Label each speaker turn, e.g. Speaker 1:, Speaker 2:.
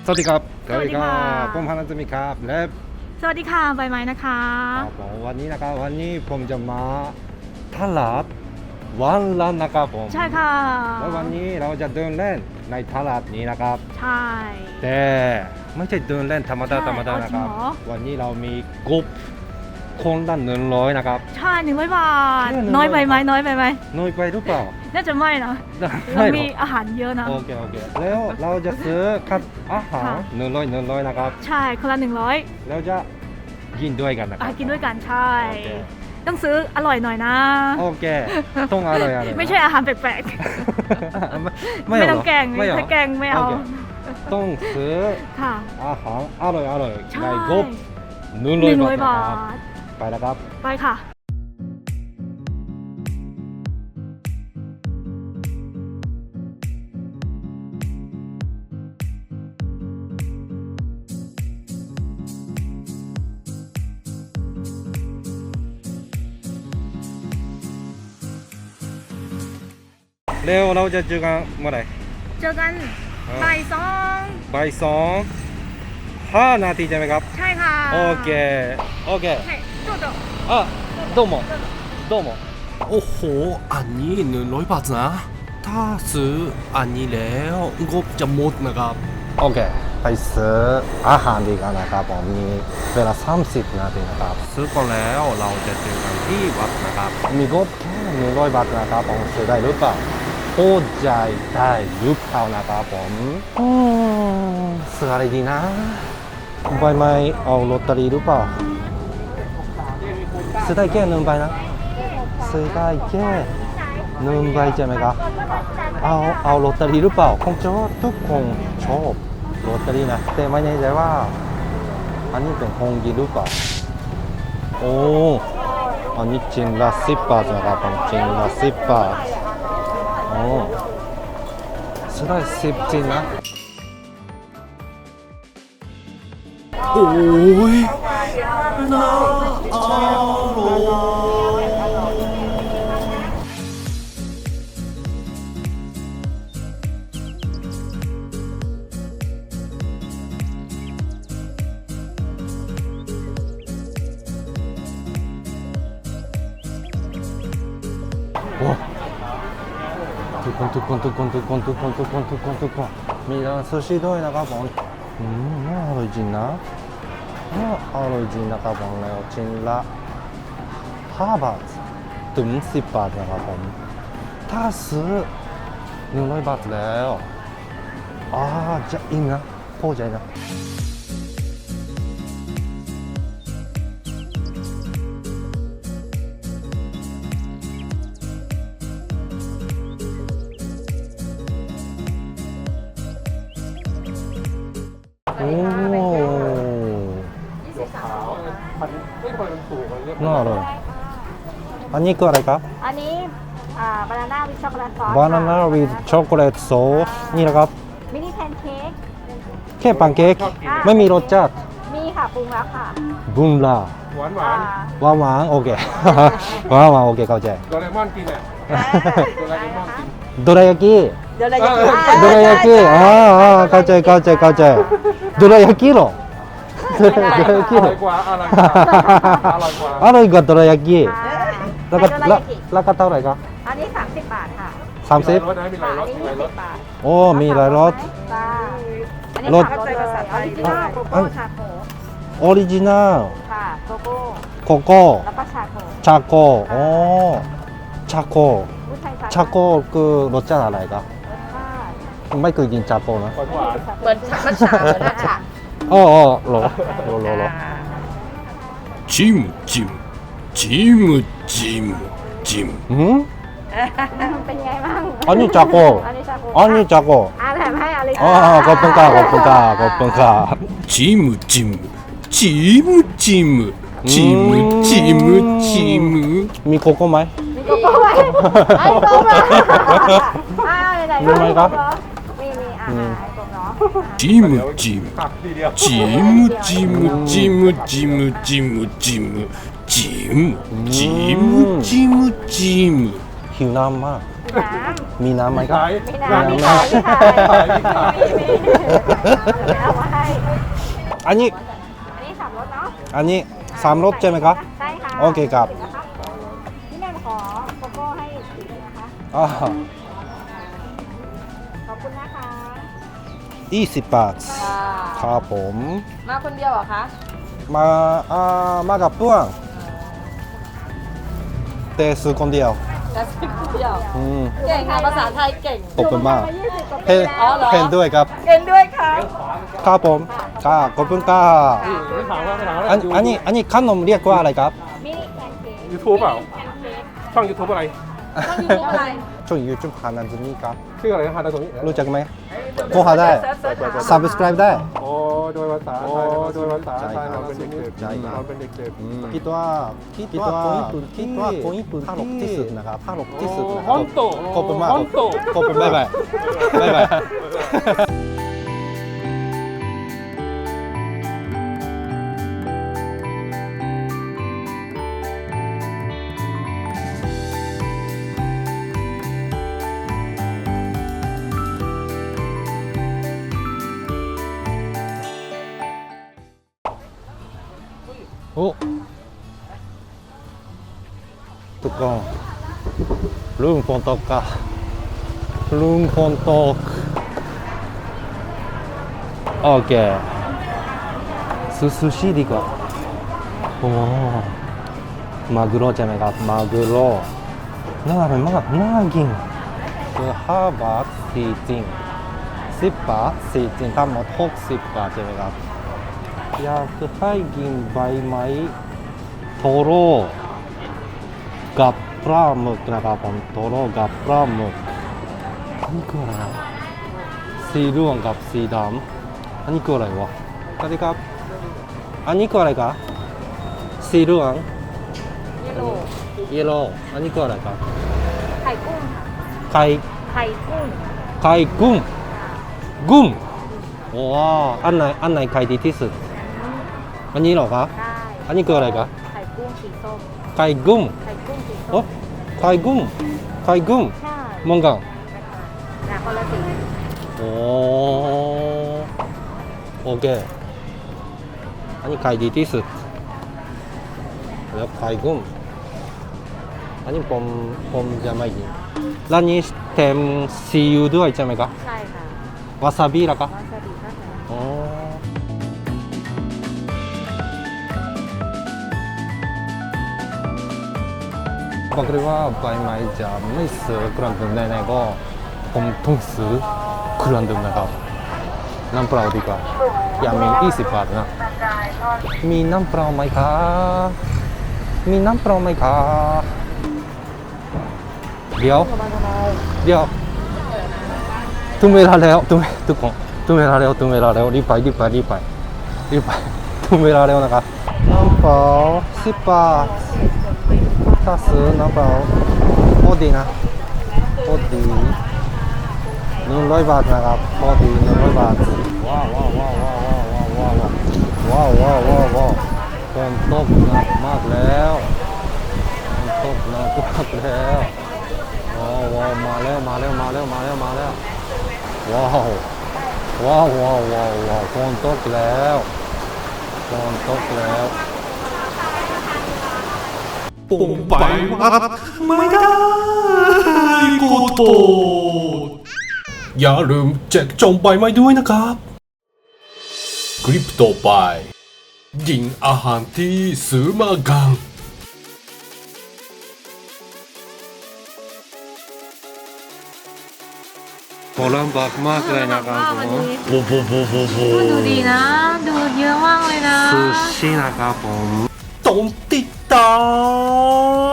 Speaker 1: สวัสดีครับ
Speaker 2: สวัสดีค่ะ
Speaker 1: ผมพานันจะมีครับและ
Speaker 2: สวัสดีค่ะใบไม้นะคะ
Speaker 1: ผมวันนี้นะครับวันนี้ผมจะมาตลาดวันละนะครับผม
Speaker 2: ใช่ค่ะ
Speaker 1: และวันนี้เราจะเดินเล่นในตลาดนี้นะครับ
Speaker 2: ใช่
Speaker 1: แต่ไม่ใช่เดินเล่นธรรมดา
Speaker 2: ใช่
Speaker 1: ธรรมดานะครับ
Speaker 2: เอาจริงเหรอ
Speaker 1: วันนี้เรามีกรุ๊ปคนละ100นะครับ
Speaker 2: ใช่100 บาท
Speaker 1: แค่100
Speaker 2: น้อยไปไหมน้อยไปไหม
Speaker 1: น้อยไปหรือเปล่า
Speaker 2: น่าจะไม่นะ
Speaker 1: ได้
Speaker 2: เรา
Speaker 1: เหร
Speaker 2: มี
Speaker 1: อ
Speaker 2: อาหารเยอะนะ
Speaker 1: โอเคแล้วเราจะซื้อคัดอาหาร
Speaker 2: ค่ะ
Speaker 1: 100นะครับ
Speaker 2: ใช่คนละ
Speaker 1: แล้วจะกินด้วยกันนะครั
Speaker 2: กินด้วยกันใช่
Speaker 1: โอเค
Speaker 2: ต้องซื้ออร่อยหน่อยนะ
Speaker 1: โอเคต้องอร่อย
Speaker 2: ไม่ใช่อาหารแปลก
Speaker 1: ไม่
Speaker 2: ไม่
Speaker 1: เอา
Speaker 2: ต้องแกง
Speaker 1: ไม่เอา
Speaker 2: ถ้าแกงไม่เอา
Speaker 1: โคต้องซื้อ
Speaker 2: ค่ะ
Speaker 1: อาหารอร่อย
Speaker 2: ใช่
Speaker 1: ในกรุ๊ป100
Speaker 2: บา
Speaker 1: บาท
Speaker 2: ท
Speaker 1: ไปแล้วครับ
Speaker 2: ไปค่ะ
Speaker 1: เร็วเราจะเจอกันเมื่อไหร่
Speaker 2: เจอกันบ่ายสอง
Speaker 1: บ่าย2 5 นาทีใช่ไหมครับ
Speaker 2: ใช่ค่ะ
Speaker 1: โอเค
Speaker 2: ใช่จุดเดียว
Speaker 1: อ่ะどうも
Speaker 3: โอ้โห อันนี้100 บาทนะ ถ้าซื้ออันนี้แล้วงบจะหมดนะครับ
Speaker 1: โอเคไปซื้ออาหารดีกันนะครับผมมีเวลา30 นาทีนะครับซื้อก่อนแล้วเราจะเจอกันที่วัดนะครับมีงบแค่100 บาทนะครับผมซื้อได้หรือเปล่าโอ้ใจได้หรือเปล่านะครับผมซื้ออะไรดีนะใบไม้เอาลอตเตอรี่หรือเปล่าซื้อได้แค่1 ใบนะซื้อได้แค่1 ใบใช่ไหมครับเอาลอตเตอรี่หรือเปล่าคงจะทุกคนชอบลอตเตอรี่นะแต่ไม่แน่ใจว่าอันนี้เป็นของจริงหรือเปล่าโอ้อันนี้จริงละ10 บาทนะครับผมจริงละ10 บาทโอ้ซื้อได้10 จริงนะ
Speaker 3: โอ้ยน่าอร่อย
Speaker 1: โอ้ทุกคนมีร้านซูชิด้วยนะครับผมน่าอร่อยจริงนะน่าอร่อยจริงนะครับผมแล้วชิ้นละ5 บาทถึง10 บาทนะครับผมถ้าซื้อ100 บาทแล้วจะอิ่มนะพอใจนะโอ้น่าอร่อยอันนี้คืออะไรครับ
Speaker 2: อันนี้บานาน่าวิช็อกโกแลตซอส
Speaker 1: Banana with chocolate sauce นี่นะครับ
Speaker 2: มินิแพนเค้ก
Speaker 1: แค่ปังเค้กไม่มีรสชาติ
Speaker 2: มีค่ะปรุงแล้วค่ะ
Speaker 1: บุมลา
Speaker 4: หวาน
Speaker 1: หวานโอเค หวานโอเคเข้าใจ
Speaker 4: โดเรมอนกินอ่ะโดเรมอนกิน
Speaker 1: โดรายากิ
Speaker 2: เดี๋ยวเราจะ
Speaker 1: โดรายากิเข้าใจโดรายากิเหรอโดรายากิ
Speaker 4: อ
Speaker 1: เหร
Speaker 4: ร่
Speaker 1: อ
Speaker 4: อยกว่าอร่อยกว่าอร่อยกว่า
Speaker 1: อร่อยกว่าโดรายากิแล้วก็ราคาเท่าไหร่ครับ
Speaker 2: อันนี้30 บาทค่ะ
Speaker 1: 30
Speaker 4: รสนะมีหลายรสมีหลายรส
Speaker 2: บาท
Speaker 1: โอ้มีหลายรส
Speaker 2: จ้าอันนี้
Speaker 1: รส
Speaker 2: เข้าใจภาษาไทยด้วยโกโก้ชาโค
Speaker 1: ออริจินัล
Speaker 2: ค่ะโกโก้
Speaker 1: โกโก้
Speaker 2: แล้วก็ชาโค
Speaker 1: ชาโกชาโก
Speaker 2: ผู้ชาย
Speaker 1: ชาโกคือรสชาติอะไรครับ
Speaker 2: ชาติ
Speaker 1: ไม่เคยกินชาโกนะ
Speaker 4: หวานหวาน
Speaker 2: เหมือนมัทฉะเหมือนมัทฉะ
Speaker 1: อ๋อเหรอ
Speaker 3: จิ้มจิ้มจิ้มจิ้มจิ้ม
Speaker 2: เป็นไงบ้าง
Speaker 1: อันนี้ชาโก
Speaker 2: อันนี้ชาโค
Speaker 1: อันนี้ชาโก
Speaker 2: แถมให้อะไร
Speaker 1: ขอบคุณค่ะ
Speaker 3: จิ้มจิ้มจิ้มจิ้มจิ้มจิ้มจิ้ม
Speaker 1: มีโกโก้ไหม
Speaker 2: มีโกโก้ไหมไอ้โกโก้ไหนๆ
Speaker 1: มีไหมครับ
Speaker 2: มีอาหารไอ้โกโก้เนาะ
Speaker 3: จิ้มจิ้ม
Speaker 4: ตักทีเดียว
Speaker 3: จิ้มจิ้มจิ้มจิ้มจิ้มจิ้มจิ้มจิ้มจิ้มจิ้ม
Speaker 1: หิวน้ำมาก
Speaker 2: มีน้ำ
Speaker 1: มีน้ำไหมครับ
Speaker 4: ขาย
Speaker 2: มีน้ำมี
Speaker 1: น้ำ
Speaker 2: ขายมีขาย
Speaker 4: ขายมีขาย
Speaker 2: มีเอามาให้
Speaker 1: อันนี้
Speaker 2: อันนี้สามรสเนาะ
Speaker 1: อันนี้สามรสใช่ไหมครับ
Speaker 2: ใช่ค่ะ
Speaker 1: โอเคครับ
Speaker 2: พี่แม่ขอโกโก้ให้สีนะคะ
Speaker 1: อ่า
Speaker 2: ขอบคุณนะคะ
Speaker 1: 20 บาทครับผม
Speaker 2: มาคนเดียวเหรอคะ
Speaker 1: มากับเพื่อนแต่ซื้อคนเดียว
Speaker 2: จะสิบเดียว
Speaker 1: อืม
Speaker 2: เก่งค่ะภาษาไทยเก่ง
Speaker 1: ขอบคุณมาก
Speaker 2: อยู่เมืองไทย20
Speaker 1: เห็น
Speaker 2: อ๋อเหรอ
Speaker 1: เห็นด้วยครับ
Speaker 2: เก่งด้วยค่ะ
Speaker 1: ครับผมครับขอบคุณครับ
Speaker 4: ไม่ถามว่าไม่ถามว่า
Speaker 1: อันนี้ขนมเรียกว่าอะไรครับ
Speaker 2: มินิแพนเค้ก
Speaker 4: ยูทูบเปล่า
Speaker 2: แพนเค้ก
Speaker 4: ช่องยูทูบอะไร
Speaker 2: ต้องยูทูบอะไร
Speaker 1: ช่อง YouTube ฮานันจูนี่ครับ
Speaker 4: ชื่ออะไรนะฮะตรงนี้
Speaker 1: รู้จักไหมโทรหาได้ subscribe ได้
Speaker 4: โอ้โดยภาษาไทยโดยภาษาไทยเราเป็นเด็ก
Speaker 1: ใช่ครับ
Speaker 4: เราเป็นเด็ก
Speaker 1: คิดว่าคนญี่ปุ่นตลกที่สุดนะครับตลกที่สุดนะค
Speaker 4: ฮ
Speaker 1: รับ
Speaker 4: อนโต
Speaker 1: ขอบคุณมาก
Speaker 4: ฮอนโต
Speaker 1: ขอบคุณบ๊ายบายบ๊ายบาย โอ้ทุกคนลุงฝนตกค่ะลุงฝนตกโอเคซูชิดีกว่าโอ้มากุโร่ใช่ไหมครับมากุโร่น่าอร่อยมากน่ากินคือ5 บาท4จริง10 บาท4จริงทั้งหมด60 บาทใช่ไหมครับอยากให้กินใบไม้โทโร่กับปลาหมึกนะครับผมโทโร่กับปลาหมึกอันนี้คืออะไรนะสีเหลืองกับสีดำอันนี้คืออะไรวะสวัสดีครับอันนี้คืออะไรครับสีเหลือง
Speaker 2: เยลโล่
Speaker 1: เยลโล่อันนี้คืออะไรครับ
Speaker 2: ไข่กุ้งค่ะ
Speaker 1: ไข่
Speaker 2: ไข่กุ้ง
Speaker 1: ไข่กุ้งกุ้งว้าวอันไหนไข่ดีที่สุดอันนี้เหรอครับ
Speaker 2: ได้
Speaker 1: อันนี้คืออะไรครับ
Speaker 2: ไข่กุ้งสีส้ม
Speaker 1: ไข่กุ้ง
Speaker 2: ไข่กุ้งสี
Speaker 1: โอ้
Speaker 2: ส้ม
Speaker 1: ไข่กุ้งไข่กุ้ง
Speaker 2: ใช่
Speaker 1: มองกัน
Speaker 2: นะคนละสี
Speaker 1: โอ้โอเคอันนี้ไข่ดีที่สุดแล้วไข่กุ้งอันนี้ผมจะไม่กินร้านนี้เต็มซีอิ๊วด้วยใช่ไหมครับ
Speaker 2: ใช่ค่ะ
Speaker 1: วาซาบิล่ะครับ
Speaker 2: วาซาบินะคะ
Speaker 1: อ๋อบอกเลยว่าใบไม้จะไม่ซื้อเครื่องดื่มแน่ๆก็ผมต้องซื้อเครื่องดื่มนะครับน้ำเปล่าดีกว่าอย่ามี20 บาทนะมีน้ำเปล่าไหมครับมีน้ำเปล่าไหมครับเดี๋ยวถึงเวลาแล้วทุกคนถึงเวลาแล้วรีบไปถึงเวลาแล้วนะครับน้ำเปล่า10 บาทถ้าซื้อน้ำเปล่าพอดีนะพอดี100 บาทนะครับพอดี100 บาทว้าวฝนตกหนักมากแล้วฝนตกหนักมากแล้วว้าวมาแล้วว้าวฝนตกแล้ว
Speaker 3: ปุ่มไปวัดไม่ได้โกโตอย่าลืมแจกจองใบไม้ด้วยนะครับคลิปต่อไปยิงอาหารที่ซื้อมากัน
Speaker 1: โบราณบักมากเลยนะครับผม
Speaker 3: โบ
Speaker 2: ดูดีนะ ดูเยอะมากเลยนะ
Speaker 1: ซูชินะครับผม
Speaker 3: ต้องติดตาม